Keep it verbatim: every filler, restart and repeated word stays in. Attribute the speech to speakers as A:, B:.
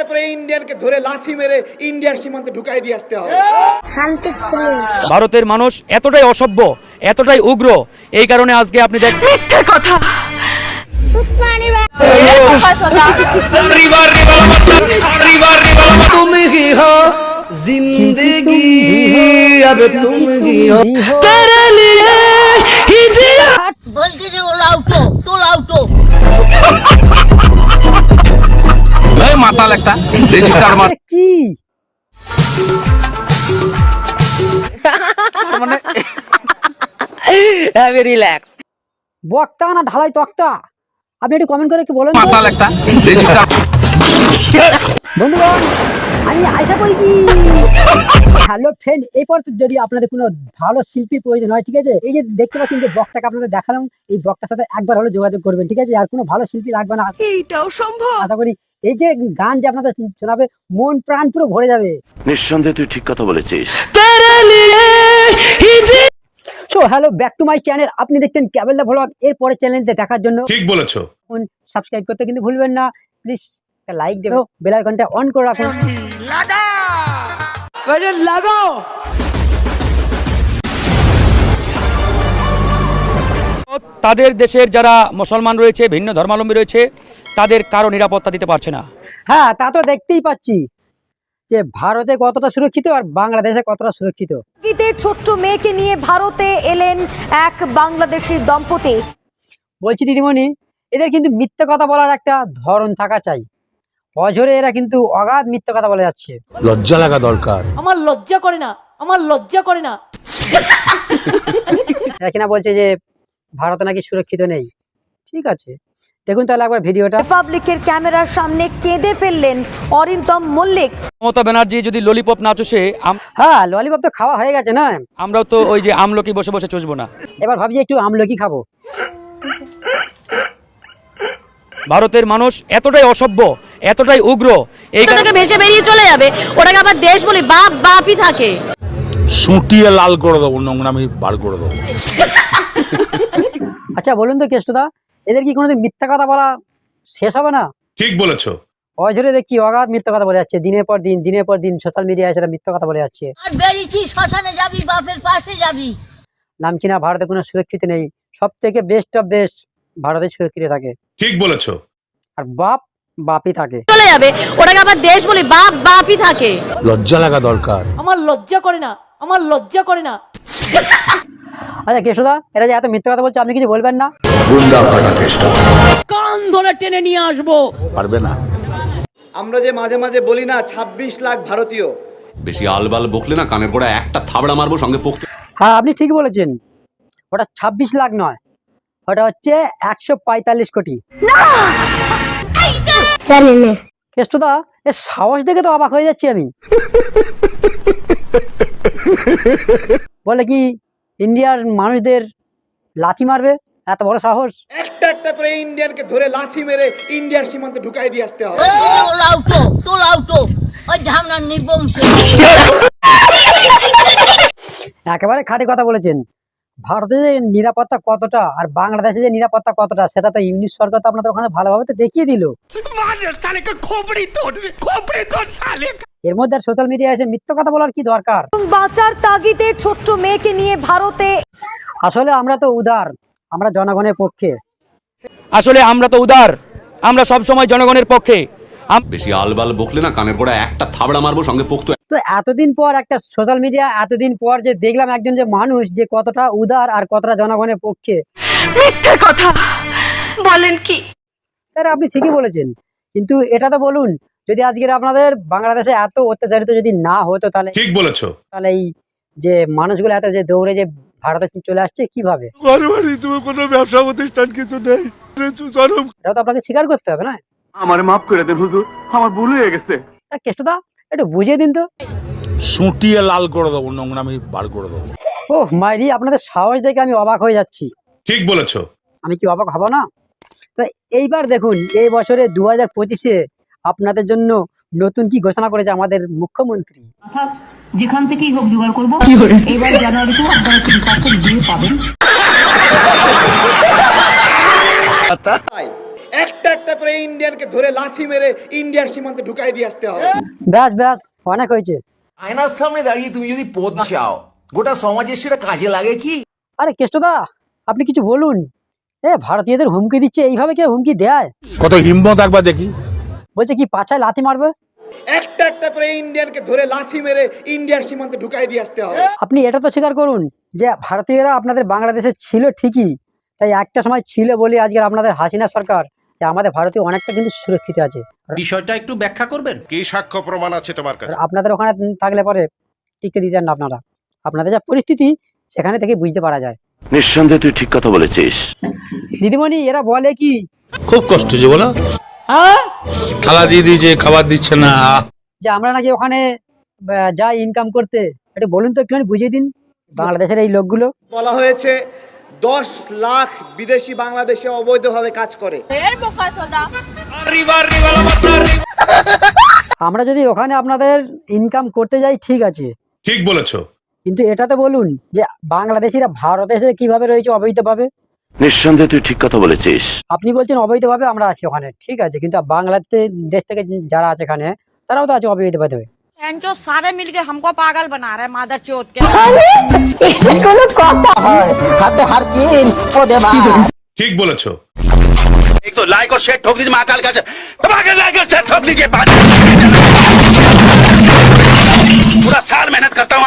A: করে ইন্ডিয়ানকে ধরে লাথি মেরে ইন্ডিয়ার সীমান্তে ঢুকাই দিয়ে আসতে হবে।
B: ভারতের মানুষ এতটাই অসভ্য, এতটাই উগ্র, এই কারণে আজকে আপনি দেখ
C: মিথ্যে কথা
D: तुम ही हो जिंदगी अब तुम ही हो तेरे लिए ही जिया
C: বলছি যে ওলা উঠো তোলা উঠো
B: এই মাতাল একটা রেজিস্টার মার
E: কি
B: মানে
E: হ্যাভি রিল্যাক্স বক্তা না ঢালাই তক্তা, আপনি একটু কমেন্ট করে একটু বলেন তো।
B: মাতাল একটা রেজিস্টার
E: বন্ধুগণ আমি আশা করেছি হ্যালো ফ্রেন্ড, এরপর যদি আপনাদের কোনো ভালো শিল্পী প্রয়োজন হয়, ঠিক আছে, এই যে দেখতে পাচ্ছেন যে বক্তাকে আপনাদের দেখালাম, এই বক্তার সাথে একবার হলে যোগাযোগ করবেন, ঠিক আছে, আর কোনো ভালো শিল্পী লাগবে না,
C: এইটাও সম্ভব।
E: আশা করি এই যে গান যে আপনাদের শোনাবে মন প্রাণ পুরো ভরে যাবে।
F: নিঃসন্দেহে তুই ঠিক কথা বলেছিস।
D: तेरे लिए ही जिया
E: so hello back to my channel, আপনি দেখছেন ক্যাবেল দা ভ্লগ। এর পরের চ্যানেলটা দেখার জন্য
G: ঠিক বলেছো,
E: সাবস্ক্রাইব করতে কিন্তু ভুলবেন না, প্লিজ লাইক দেবেন, বেল আইকনটা অন করে রাখুন। লাগাও
B: তাদের দেশের যারা মুসলমান রয়েছে, ভিন্ন ধর্মাবলম্বী রয়েছে, তাদের কারো নিরাপত্তা দিতে পারছে না।
E: হ্যাঁ, তা তো দেখতেই পাচ্ছি যে ভারতে কতটা সুরক্ষিত আর বাংলাদেশে কতটা সুরক্ষিত।
H: ঈদে ছোট্ট মেয়েকে নিয়ে ভারতে এলেন এক বাংলাদেশি দম্পতি।
E: বলছি দিদিমণি, এদের কিন্তু মিথ্যে কথা বলার একটা ধরন থাকা চাই। অঝরে এরা কিন্তু অগাধ মিথ্যে কথা বলে যাচ্ছে।
D: লজ্জা লাগা দরকার।
H: আমার লজ্জা করে না, আমার লজ্জা করে না।
E: এরা কিনা বলছে যে ভারতে নাকি সুরক্ষিত নেই। ঠিক আছে, দেখুন তাহলে একবার ভিডিওটা।
H: রিপাবলিকের ক্যামেরার সামনে কেঁদে ফেললেন অরিন্দম মল্লিক।
B: মমতা ব্যানার্জি যদি ললিপপ না চষে, আম-
E: হ্যাঁ, ললিপপ তো খাওয়া হয়ে গেছে না,
B: আমরাও তো ওই যে আমলকি বসে বসে চষবো না।
E: এবার ভাবছি একটু আমলকি খাবো।
B: ভারতের মানুষ এতটাই অসভ্য, এতটাই উগ্র, এই কারণে
H: ভেসে বেরিয়ে চলে যাবে, ওটাকে আবার দেশ বলি বাপ বাপই থাকে।
D: সুটিয়ে লাল করে দেবো, নোংরামি বার করে দেবো।
E: আচ্ছা বলুন তো কেষ্টদা, এদের কি কোনোদিন মিথ্যা কথা বলা শেষ হবে না?
G: ঠিক বলেছো।
E: অঝরে দেখি অগাধ মিথ্যা কথা বলে যাচ্ছে, দিনের পর দিন দিনের পর দিন সোশ্যাল মিডিয়ায় সেটা মিথ্যা কথা বলে যাচ্ছে।
C: আর বেরিয়েছি শ্মশানে যাবি বাপের পাশে যাবি।
E: নাম কিনা ভারতে কোনো সুরক্ষিত নেই, সব থেকে বেস্ট অফ বেস্ট ভারতে সুরক্ষিত থাকে,
G: ঠিক বলেছো।
E: আর বাপ বাপই থাকে।
H: চলে যাবে, ওটাকে আবার দেশ বলি বাপ বাপই থাকে।
D: লজ্জা লাগা দরকার।
H: আমার লজ্জা করে না, আমার লজ্জা করে না।
E: আচ্ছা কেষ্টদা, এরা যে এত মিথ্যা কথা বলছে, আপনি কিছু বলবেন না?
D: গুন্ডা ফাটা চেষ্টা
H: কান ধরে টেনে নিয়ে আসবো।
D: পারবে না।
A: আমরা যে মাঝে মাঝে বলি না ছাব্বিশ লাখ ভারতীয়,
F: বেশি আলবাল বকলে না কানের গোড়া একটা থাবড়া মারবো সঙ্গে পোক্ত।
E: হ্যাঁ, আপনি ঠিক বলেছেন, ওটা ছাব্বিশ লাখ নয়, ওটা হচ্ছে একশো পঁয়তাল্লিশ কোটি। কেষ্টদা, এর সাহস দেখে তো অবাক হয়ে যাচ্ছি আমি। বলে কি ইন্ডিয়ার মানুষদের লাথি মারবে, এত বড় সাহস?
A: একটা একটা করে ইন্ডিয়ানকে ধরে লাথি মেরে ইন্ডিয়ার সীমান্তে ঢুকাই দিয়ে আসতে হবে।
C: বলছি যে ওলা উঠো তোলা উঠো ওই ঝামনার নিবংশ।
E: একেবারে খাঁটি কথা বলেছেন। ভারতের যে নিরাপত্তা কতটা আর বাংলাদেশে যে নিরাপত্তা কতটা, সেটা তো ইউনিট সরকার তো আপনাদের ওখানে ভালোভাবে তো দেখিয়ে দিল। এর মধ্যে আর সোশ্যাল মিডিয়া এসে মিথ্যা কথা বলার কি দরকার?
H: বাঁচার তাগিদে ছোট্ট মেয়েকে নিয়ে ভারতে।
E: আসলে আমরা তো উদার, আমরা জনগণের পক্ষে।
B: আসলে আমরা তো উদার, আমরা সব সময় জনগণের পক্ষে। আম-
F: বেশি আলবাল বকলে না কানের গোড়া একটা থাবড়া মারবো সঙ্গে পোক্ত।
E: তো এতদিন পর একটা সোশ্যাল মিডিয়া, এতদিন পর যে দেখলাম একজন যে মানুষ যে কতটা উদার আর কতটা জনগণের পক্ষে।
C: মিথ্যে কথা বলেন কি?
E: স্যার আপনি ঠিকই বলেছেন, কিন্তু এটা তো বলুন, যদি আজকের আপনাদের বাংলাদেশে এত অত্যাচারিত যদি না হতো, তাহলে
G: ঠিক বলেছো।
E: তাহলে এই যে মানুষগুলো এত যে দৌড়ে যে ভারতে চলে আসছে কিভাবে?
D: তুমি কোনো ব্যবসা প্রতিষ্ঠান কিছু নেই,
E: এটা তো আপনাকে স্বীকার করতে হবে না?
F: আমার মাফ করে দেন হুজুর, আমার ভুল হয়ে গেছে।
E: তা কেষ্টদা একটু বুঝিয়ে দিন তো।
D: সুটিয়ে লাল করে দেবো, নোংরামি বার করে দেবো।
E: ও মাইরি, আপনাদের সাহস দেখে আমি অবাক হয়ে যাচ্ছি।
G: ঠিক বলেছো।
E: আমি কি অবাক হব না? তো এইবার দেখুন, এই বছরে দু হাজার পঁচিশে আপনাদের জন্য নতুন কি ঘোষণা করেছে আমাদের মুখ্যমন্ত্রী।
I: যেখান থেকেই হোক জোগাড় করবো, এবার জানুয়ারিতে আপনারা তিন পার্সেন্ট দিয়ে পাবেন।
A: তাই একটা একটা করে করে ইন্ডিয়ানকে ধরে লাথি মেরে ইন্ডিয়ার সীমান্তে ঢুকাই দিয়ে আসতে হবে।
E: ব্যাস ব্যাস অনেক হয়েছে।
J: আয়নার সামনে দাঁড়িয়ে তুমি যদি পদ চাও গোটা সমাজের সেটা কাজে লাগে কি?
E: আরে কেষ্টদা আপনি কিছু বলুন। এ ভারতীয়দের হুমকি দিচ্ছে, এইভাবে কেউ হুমকি দেয়?
G: কত হিম্মত একবার দেখি।
E: বলছে কি পাছায় লাথি মারবে?
A: একটা একটা করে ইন্ডিয়ানকে ধরে লাথি মেরে ইন্ডিয়ার সীমান্তে ঢুকাই দিয়ে আসতে হবে।
E: আপনি এটা তো স্বীকার করুন যে ভারতীয়রা আপনাদের বাংলাদেশে ছিল ঠিকই, তাই একটা সময় ছিল বলে আজকে আপনাদের হাসিনা সরকার যে আমাদের ভারতীয় অনেকটা কিন্তু সুরক্ষিত আছে।
J: বিষয়টা একটু ব্যাখ্যা করবেন?
G: কি সাক্ষ্য প্রমাণ আছে তোমার কাছে?
E: আপনাদের ওখানে থাকলে পরে টিকে দিতেন না আপনারা। আপনাদের যা পরিস্থিতি সেখানে থেকে বুঝতে পারা যায়।
F: নিঃসন্দেহে তুই ঠিক কথা বলেছিস।
E: দিদিমণি এরা বলে কি
G: খুব কষ্ট যে বলো, থালা দিয়ে দিয়েছে, খাবার দিচ্ছে না।
E: যে আমরা নাকি ওখানে আহ, যাই ইনকাম করতে, এটা বলুন তো একটুখানি বুঝিয়ে দিন বাংলাদেশের এই লোকগুলো।
A: বলা হয়েছে দশ লাখ বিদেশি বাংলাদেশে অবৈধভাবে কাজ করে।
E: আমরা যদি ওখানে আপনাদের ইনকাম করতে যাই ঠিক আছে,
G: ঠিক বলেছো।
E: কিন্তু এটাতে বলুন যে বাংলাদেশিরা ভারতে এসে কিভাবে রয়েছে অবৈধভাবে।
F: নিঃসন্দেহে তুই ঠিক কথা বলেছিস।
E: আপনি বলছেন অবৈধভাবে আমরা আছি ওখানে, ঠিক আছে, কিন্তু বাংলাদেশ দেশ থেকে যারা আছে এখানে তারাও তো আছে অবৈধভাবে।
H: जो सारे मिलके हमको पागल बना रहे हैं मादर चौथ के।
G: ঠিক বলেছো।
F: एक तो लाइक और शेयर ठोक दीजिए महाकाल का लाइक और शेयर ठोक दीजिए। पूरा साल मेहनत करता हूँ।